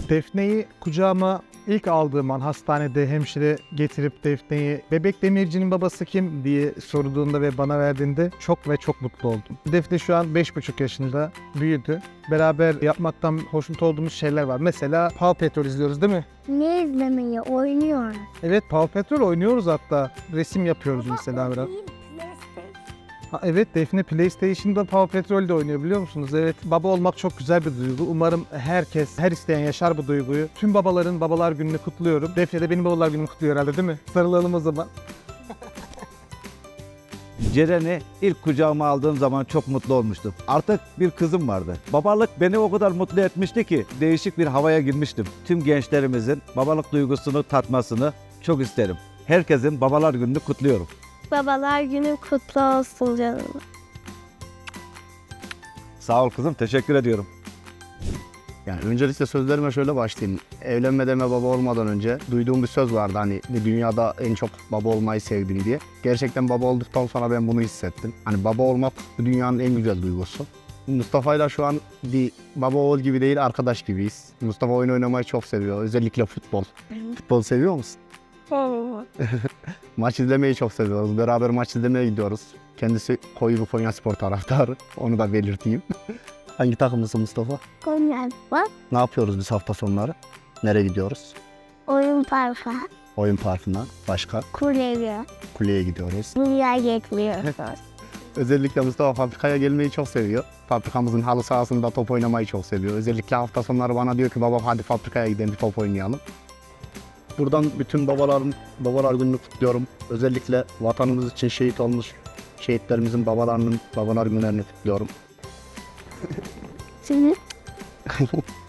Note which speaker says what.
Speaker 1: Defne'yi kucağıma ilk aldığım an hastanede hemşire getirip Defne'yi "Bebek Demirci'nin babası kim?" diye sorduğunda ve bana verdiğinde çok ve çok mutlu oldum. Defne şu an 5,5 yaşında, büyüdü. Beraber yapmaktan hoşnut olduğumuz şeyler var. Mesela Paw Patrol izliyoruz değil mi?
Speaker 2: Ne izlemeyi? Oynuyor.
Speaker 1: Evet, Paw Patrol oynuyoruz hatta. Resim yapıyoruz mesela biraz. Ha, evet, Defne PlayStation'da Paw Patrol'de oynuyor, biliyor musunuz? Evet, baba olmak çok güzel bir duygu. Umarım herkes, her isteyen yaşar bu duyguyu. Tüm babaların Babalar Günü'nü kutluyorum. Defne de benim Babalar Günü'nü kutluyor herhalde, değil mi? Sarılalım o zaman.
Speaker 3: Ceren'i ilk kucağıma aldığım zaman çok mutlu olmuştum. Artık bir kızım vardı. Babalık beni o kadar mutlu etmişti ki değişik bir havaya girmiştim. Tüm gençlerimizin babalık duygusunu tatmasını çok isterim. Herkesin Babalar Günü'nü kutluyorum.
Speaker 2: Babalar günü kutlu olsun canım.
Speaker 3: Sağ ol kızım, teşekkür ediyorum.
Speaker 4: Yani öncelikle sözlerime şöyle başlayayım. Evlenmeden ve baba olmadan önce duyduğum bir söz vardı, hani dünyada en çok baba olmayı sevdim diye. Gerçekten baba olduktan sonra ben bunu hissettim. Hani baba olmak bu dünyanın en güzel duygusu. Mustafa'yla şu an bir baba oğul gibi değil, arkadaş gibiyiz. Mustafa oyun oynamayı çok seviyor. Özellikle futbol. Futbol seviyor musun? Maç izlemeyi çok seviyoruz. Beraber maç izlemeye gidiyoruz. Kendisi koyu bir Konyaspor taraftarı. Onu da belirteyim. Hangi takımlısın Mustafa?
Speaker 2: Konya bak.
Speaker 4: Ne yapıyoruz biz hafta sonları? Nereye gidiyoruz?
Speaker 2: Oyun parkı.
Speaker 4: Oyun parkına. Başka?
Speaker 2: Kuleye.
Speaker 4: Kuleye gidiyoruz.
Speaker 2: Dünya getiriyor.
Speaker 4: Özellikle Mustafa fabrikaya gelmeyi çok seviyor. Fabrikamızın halı sahasında top oynamayı çok seviyor. Özellikle hafta sonları bana diyor ki baba hadi fabrikaya gidelim bir top oynayalım. Buradan bütün babalar gününü kutluyorum. Özellikle vatanımız için şehit olmuş şehitlerimizin babalar günlerini kutluyorum.
Speaker 2: Şimdi